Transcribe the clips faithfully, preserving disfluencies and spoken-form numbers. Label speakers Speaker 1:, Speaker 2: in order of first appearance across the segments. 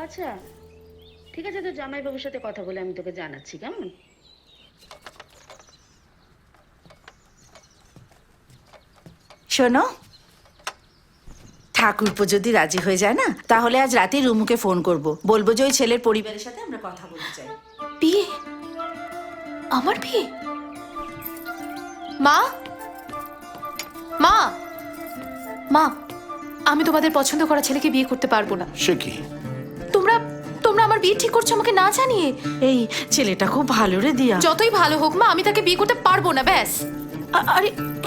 Speaker 1: আচ্ছা, ঠিক আছে, তো জামাইবাবুর সাথে কথা বলে আমি তোকে জানাচ্ছি, কেমন?
Speaker 2: শোনো, ঠাকুরপো যদি রাজি হয়ে যায় না, তাহলে আজ রাতে রুমুকে ফোন করব, বলবো যে ওই ছেলের পরিবারের সাথে আমরা কথা বলতে চাই।
Speaker 3: বিয়ে? আমার বিয়ে? মা, মা, মা, আমি তোমাদের পছন্দ করা ছেলেকে বিয়ে করতে পারবো না।
Speaker 4: সে কি?
Speaker 3: তোমরা তোমরা আমার বিয়ে ঠিক করছো আমাকে না জানিয়ে।
Speaker 2: এই ছেলেটা খুব ভালো রে দিয়া।
Speaker 3: যতই ভালো হোক মা, আমি তাকে বিয়ে করতে পারবো না, ব্যাস।
Speaker 2: আ- আরে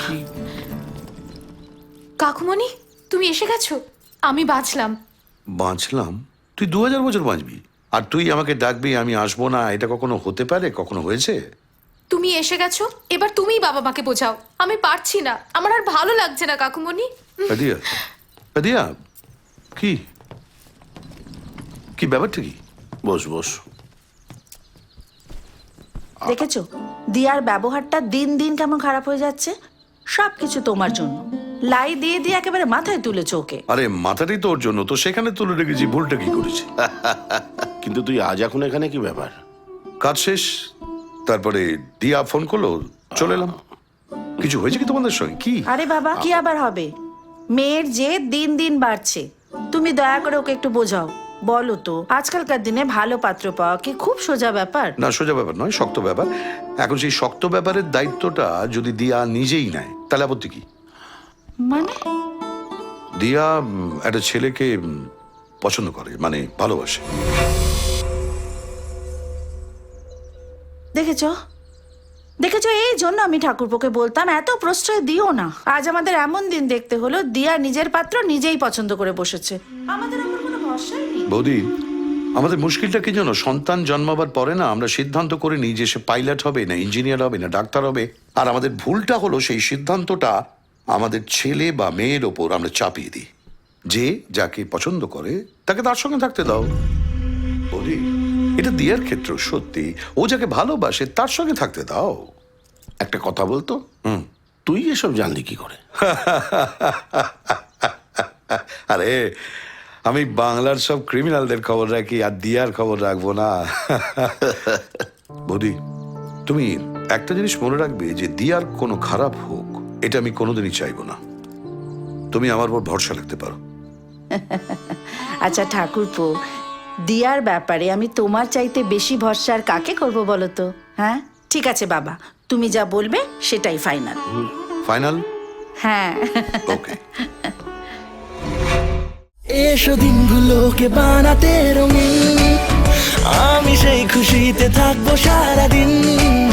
Speaker 3: কাকুমণি, তুমি এসে গেছো? আমি বাঁচলাম।
Speaker 4: বাঁচলাম? তুই দু হাজার বছর বাঁচবি আর তুই আমাকে ডাকবি আমি আসবো না? এটা কখনো হতে পারে? কখনো হয়েছে?
Speaker 3: তুমি এসে গেছো, এবার তুমিই বাবা মাকে বোঝাও। আমি পারছি না, আমার আর ভালো লাগছে না কাকুমণি।
Speaker 4: দিয়া, দিয়া, কি কি ব্যাপারটা কি? বস বস।
Speaker 2: দেখেছো দিয়ার ব্যবহারটা দিন দিন কেমন খারাপ হয়ে যাচ্ছে? সবকিছু তোমার জন্য। লাই দিয়ে দিয়ে একেবারে মাথায় তুলেছো ওকে।
Speaker 4: আরে মাথাটাই তোর জন্য, তো সেখানে তুলে রেখেছি, ভুলটা কি করেছি?
Speaker 5: কিন্তু তুই আজ এখন এখানে কি ব্যাপার?
Speaker 4: কাজ শেষ, তারপরে দিয়া ফোন করলো, চলে এলাম। কিছু হয়েছে কি তোমাদের সঙ্গে? কি?
Speaker 2: আরে বাবা, কি আবার হবে? মেয়ের যে দিন দিন বাড়ছে, তুমি দয়া করে ওকে একটু বোঝাও। বলো তো, আজকালকার দিনে ভালো পাত্র পাওয়া কি খুব সোজা ব্যাপার?
Speaker 4: না, সোজা ব্যাপার নয়, শক্ত ব্যাপার। এখন সেই শক্ত ব্যাপারের দায়িত্বটা যদি দিয়া নিজেই নেয়, তাহলে আপত্তি কি?
Speaker 2: মানে
Speaker 4: দিয়া উম, একটা ছেলেকে উম, পছন্দ করে, মানে ভালোবাসে।
Speaker 2: দেখেছো দেখেছো এই জন্য আমি ঠাকুরপোকে বলতাম এত প্রশ্রয় দিও না। আজ আমাদের এমন দিন দেখতে হলো, দিয়া নিজের পাত্র নিজেই পছন্দ করে বসেছে। আমাদের আমার কোনো ভরসাই নেই।
Speaker 4: বৌদি, আমাদের মুশকিলটা কি জানো? সন্তান জন্মাবার পরে না আমরা সিদ্ধান্ত করে নিই যে সে পাইলট হবে না ইঞ্জিনিয়ার হবে না ডাক্তার হবে, আর আমাদের ভুলটা হলো সেই সিদ্ধান্তটা আমাদের ছেলে বা মেয়ের ওপর আমরা চাপিয়ে দিই। যে যাকে পছন্দ করে তাকে তার সঙ্গে থাকতে দাও। বৌদি, এটা দিয়ার ক্ষেত্র সত্যি, ও যাকে ভালোবাসে তার সঙ্গে থাকতে দাও।
Speaker 5: একটা কথা বলতো,
Speaker 4: হুম।
Speaker 5: তুই এসব জানলি কি করে?
Speaker 4: আরে আমি বাংলার সব ক্রিমিনালদের খবর রাখি, আর দিয়ার খবর রাখবো না? বৌদি, তুমি একটা জিনিস মনে রাখবে যে দিয়ার কোনো খারাপ হোক, এটা আমি কোনোদিনই চাইবো না। তুমি আমার উপর ভরসা রাখতে পারো।
Speaker 2: আচ্ছা ঠাকুরপো, দিয়ার ব্যাপারে আমি তোমার চাইতে বেশি ভরসা আর কাকে করবো বলো তো? হ্যাঁ, ঠিক আছে বাবা, তুমি যা বলবে সেটাই ফাইনাল।
Speaker 4: ফাইনাল?
Speaker 2: হ্যাঁ।
Speaker 4: ওকে।
Speaker 6: এসো দিনগুলোকে বানাতে রঙিন, আমি সেই খুশিতে থাকবো সারাদিন।